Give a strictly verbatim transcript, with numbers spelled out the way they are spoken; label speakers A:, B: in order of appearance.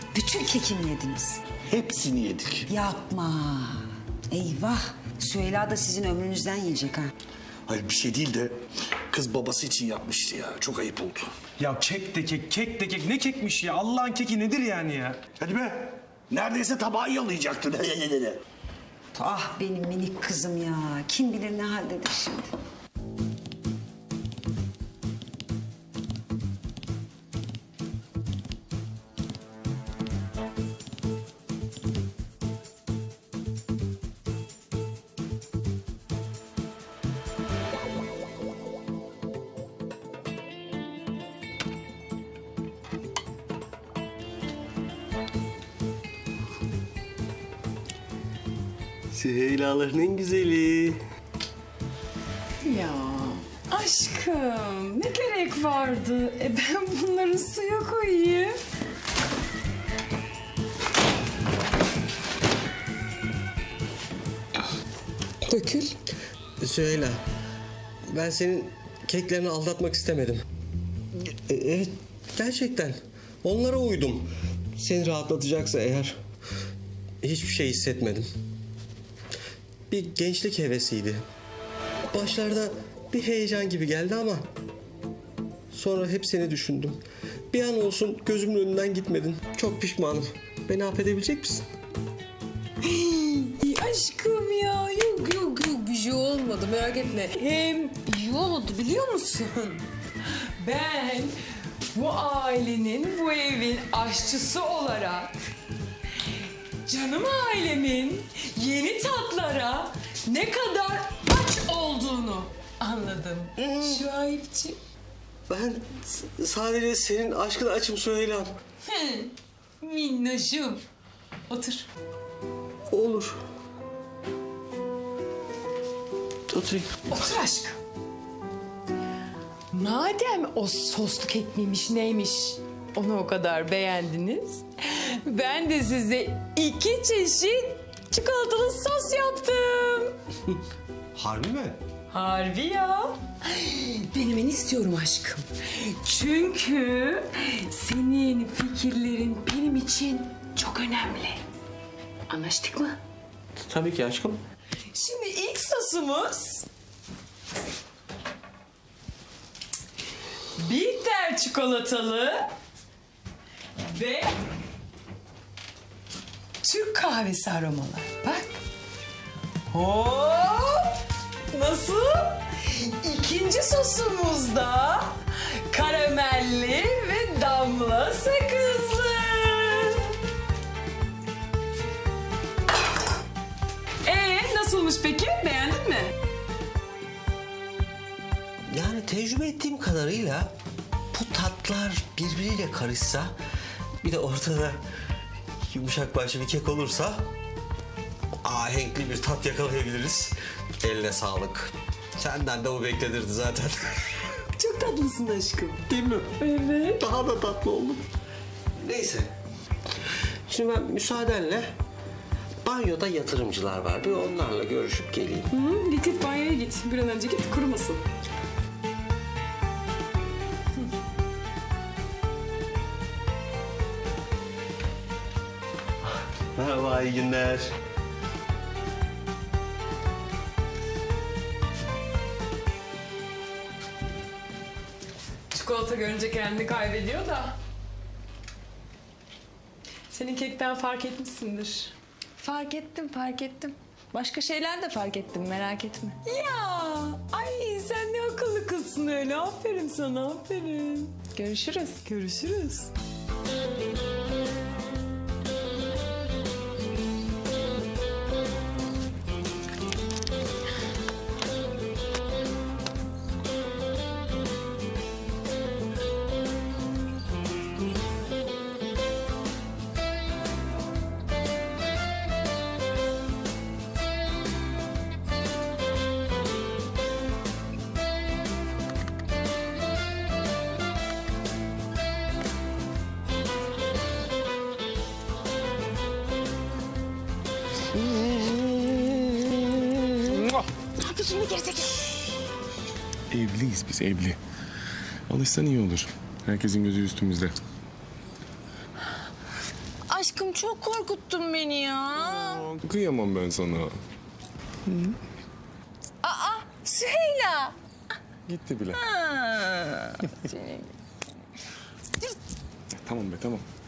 A: Bütün kekini yediniz.
B: Hepsini yedik.
A: Yapma. Eyvah. Süheyla da sizin ömrünüzden yiyecek ha.
B: Hayır bir şey değil de kız babası için yapmıştı ya. Çok ayıp oldu.
C: Ya kek de kek, kek de kek. Ne kekmiş ya? Allah'ın keki nedir yani ya?
B: Hadi be. Neredeyse tabağı yalayacaktın.
A: Ah benim minik kızım ya. Kim bilir ne haldedir şimdi.
D: Süheyla'ların en güzeli.
E: Ya aşkım ne gerek vardı? E ben bunları suya koyayım. Dökül.
D: Süheyla, ben senin keklerini aldatmak istemedim. E, evet, gerçekten. Onlara uydum. Seni rahatlatacaksa eğer hiçbir şey hissetmedim. Bir gençlik hevesiydi. Başlarda bir heyecan gibi geldi ama sonra hep seni düşündüm. Bir an olsun gözümün önünden gitmedin. Çok pişmanım. Beni affedebilecek misin?
E: İyi aşkım ya. Yok yok yok bir şey olmadı merak etme. Hem iyi oldu biliyor musun? Ben bu ailenin, bu evin aşçısı olarak canım ailemin yeni tatlara ne kadar aç olduğunu anladım. Şuayb'ciğim.
D: Ben s- sadece senin aşkına açım Süheyla'm.
E: Minnoşum. Otur.
D: Olur. Oturayım.
E: Otur aşkım. Madem o soslu kek miymiş neymiş onu o kadar beğendiniz. Ben de size iki çeşit çikolatalı sos yaptım.
D: Harbi mi?
E: Harbi ya. Denemeni istiyorum aşkım. Çünkü senin fikirlerin benim için çok önemli. Anlaştık mı?
D: Tabii ki aşkım.
E: Şimdi ilk sosumuz bitter çikolatalı ve Türk kahvesi aromalı. Bak. Hop! Nasıl? İkinci sosumuz da karamelli ve damla sakızlı. Ee, nasılmış peki? Beğendin mi?
D: Yani tecrübe ettiğim kadarıyla bu tatlar birbiriyle karışsa bir de ortada yumuşak başlı bir kek olursa ahenkli bir tat yakalayabiliriz. Eline sağlık. Senden de bu beklenirdi zaten.
E: Çok tatlısın aşkım.
D: Değil mi?
E: Evet.
D: Daha da tatlı oldum. Neyse. Şimdi ben müsaadenle banyoda yatırımcılar var. Bir onlarla görüşüp geleyim.
E: Hı, git git banyoya git. Bir an önce git kurumasın.
D: Merhaba, iyi günler.
E: Çikolata görünce kendini kaybediyor da. Senin kekten fark etmişsindir.
F: Fark ettim, fark ettim. Başka şeyler de fark ettim, merak etme.
E: Ya, ay sen ne akıllı kızsın öyle. Aferin sana, aferin.
F: Görüşürüz.
E: Görüşürüz.
G: Evliyiz biz, evli. Alışsan iyi olur. Herkesin gözü üstümüzde.
F: aşkım çok korkuttun beni ya.
G: Aa, kıyamam ben sana.
F: Aa Süheyla.
G: Gitti bile.
F: Ha.
G: Tamam be tamam.